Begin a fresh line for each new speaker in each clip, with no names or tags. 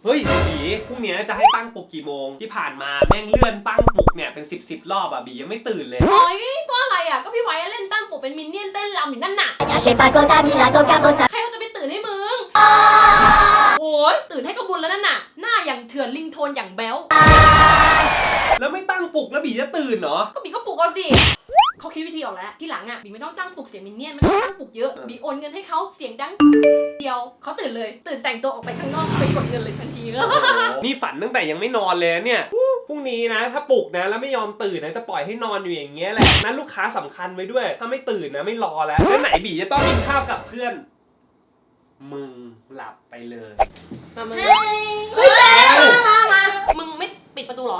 เฮ้ยบีพรุ่งนี้จะให้ตั้งปลุกกี่โมงที่ผ่านมาแม่งเลื่อนตั้งปลุกเนี่ยเป็น10 รอบอ่ะบียังไม่ตื่นเลย
โอ้ยก็อะไรอ่ะก็พี่ไว้เล่นตั้งปลุกเป็นมินเนี่ยนเต้นรำอยู่นั่นน่ะใครเขาจะไปตื่นให้มึงโอ้ยตื่นให้ก็บุญแล้วนั่นน่ะหน้าอย่างเถื่อนลิงโทนอย่างแบ๊ว
แล้วไม่ตั้งปลุกแล้วบีจะตื่นเหรอ
ก็บีก็ปลุกเอาสิเขาคิดวิธีออกแล้วที่หลังอ่ะบีไม่ต้องตั้งปลุกเสียงมินเนี่ยนไม่ต้องตั้งปลุกเยอะบีโอนเงินให้เขาเสียงดังเดียวเขาตื่นเลยตื่นแต่งตัวออกไปข้างนอกไปกดเงินเลยทันที
นี่ฝันตั้งแต่ยังไม่นอนเลยเนี่ยพรุ่งนี้นะถ้าปลุกนะแล้วไม่ยอมตื่นนะจะปล่อยให้นอนอยู่อย่างเงี้ยแหละนั้นลูกค้าสำคัญไว้ด้วยถ้าไม่ตื่นนะไม่รอแล้วไหนบีจะต้องกินข้าวกับเพื่อนมึงหลับไปเลย
เฮ้ยมามึงไม่ปิดประตูหรอ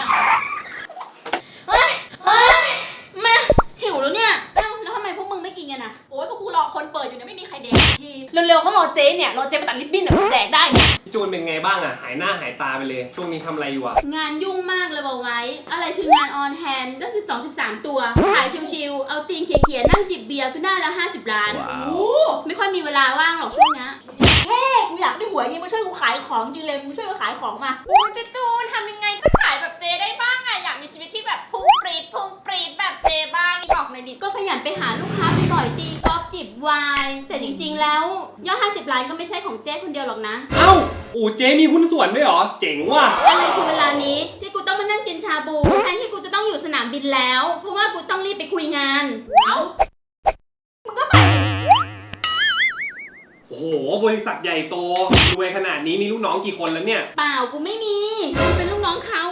เฮ้ยแม่หิวแล้วเนี่ยแล้วทำไมพวกมึงไม่กินกันอ่ะ
โอ้ยก็กูรอคนเปิดอยู่เนี่ยไม่มีใครแดกทีเร็วๆเขารอเจ๊เนี่ยรอเจ๊ไปตัดริบบิ้นเนี่ยแดกได้เนี่ย
จูนเป็นไงบ้างอ่ะหายหน้าหายตาไปเลยช่วงนี้ทำอะไรอยู่อ่ะ
งานยุ่งมากเลยบอกไว้อะไรคืองานออนแฮนด์ก็13 ตัวขายชิวๆเอาตีนเขี่ยๆนั่งจิบเบียร์ก็ได้ละ50 ล้านไม่ค่อยมีเวลาว่างหรอกช่วงนี้
กูอยากได้หวยงี้มาช่วยกูขายของจริงเลยมึงช่วยกูขายของมา
โอ้เจจูนทำยังไงจะขายแบบเจได้บ้างอะอยากมีชีวิตที่แบบพุ่งปรีดแบบเจบ้างบอกหน่อยดิ
ก็ขยันไปหาลูกค้าไปต่อยตีกอล์ฟจิบไวน์แต่จริงๆแล้วยอด50 ล้านก็ไม่ใช่ของเจ๊คนเดียวหรอกนะ
เอ้าเจ๊มีหุ้นส่วนด้วยเหรอเจ๋งว่ะ
อะไรคือเวลานี้ที่กูต้องมานั่งกินชาบูแทนที่กูจะต้องอยู่สนามบินแล้วเพราะว่ากูต้องรีบไปคุยงาน
มึงก็ไป
โอ้โหบริษัทใหญ่โตรวยขนาดนี้มีลูกน้องกี่คนแล้วเนี่ย
เปล่ากูไม่มีเป็นลูกน้องเขา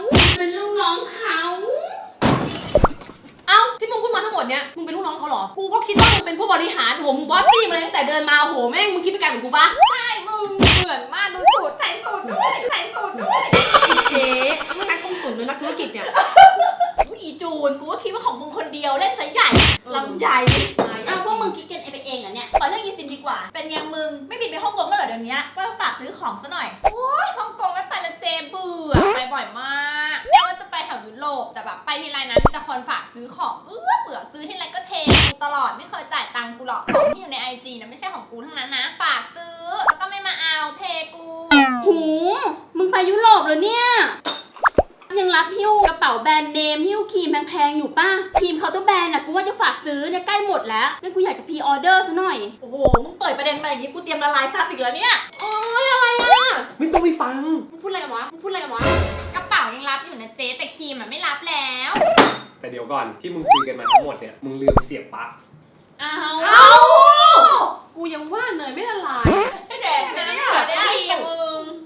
เอ้าที่มึงพูดมาทั้งหมดเนี้ยมึงเป็นลูกน้องเขาเหรอกูก็คิดว่ามึงเป็นผู้บริหารผมบอสซี่มาเลยตั้งแต่เดินมาโหแม่งมึงคิดไปไกลเหมือนกูปะ
ใช่มึงเหมือนมากดูสูตรใส่สูตรด้วย
เจ๊มึงนักลงทุนหรือนักธุรกิจเนี่ยอีจูนกูก็คิดว่าของมึงคนเดียวเล่นซะใหญ่ลำใหญ่
พวกมึงคิดกันไปเองเหรอเนี่ย
ขอเรื่องอีซินดีกว่าเป็นไงมึงไม่บินไปฮ่องกงแล้วเหรอเดี๋ยวนี้ว่าฝากซื้อของซะหน่อย
โอ้ยฮ่องกงไม่ไปแล้วเจเบื่อไปบ่อยมากเรียกว่าจะไปแถวยุโรปแต่แบบไปทีไรนะมีแต่คนฝากซื้อของเบื่อซื้อทีไรก็เทกูตลอดไม่เคยจ่ายตังค์กูหรอกของที่อยู่ใน IG นะไม่ใช่ของกูทั้งนั้นนะฝากซื้อแล้วก็ไม่มาเอาเทกู
หูมึงไปยุโรปเหรอเนี่ยยังรับหิ้วกระเป๋าแบรนด์เนมหิ้วครีมแพงๆอยู่ป่ะครีมเคาน์เตอร์แบรนด์น่ะกูว่าจะฝากซื้อเนี่ยใกล้หมดแล้วงั้นกูอยากจะพรีออเดอร์ซะหน่อย
โอ้โหมึงเปิดประเด็นมาอย่างนี้กูเตรียมละลายซับอีกแล้วเนี่ย
โอ๊ยอะไรอ่ะ
ไม่ต้องไปฟัง
มึงพูดอะไรกันวะ
กระเป๋ายังรับอยู่นะเจ๊แต่ครีมไม่รับแล้ว
แต่เดี๋ยวก่อนที่มึงคุยกันมาทั้งหมดเนี่ยมึงลืมเสียบปลั๊ก
เอากูยังว่าเนยไม่ละลาย
แดกนะได้มึง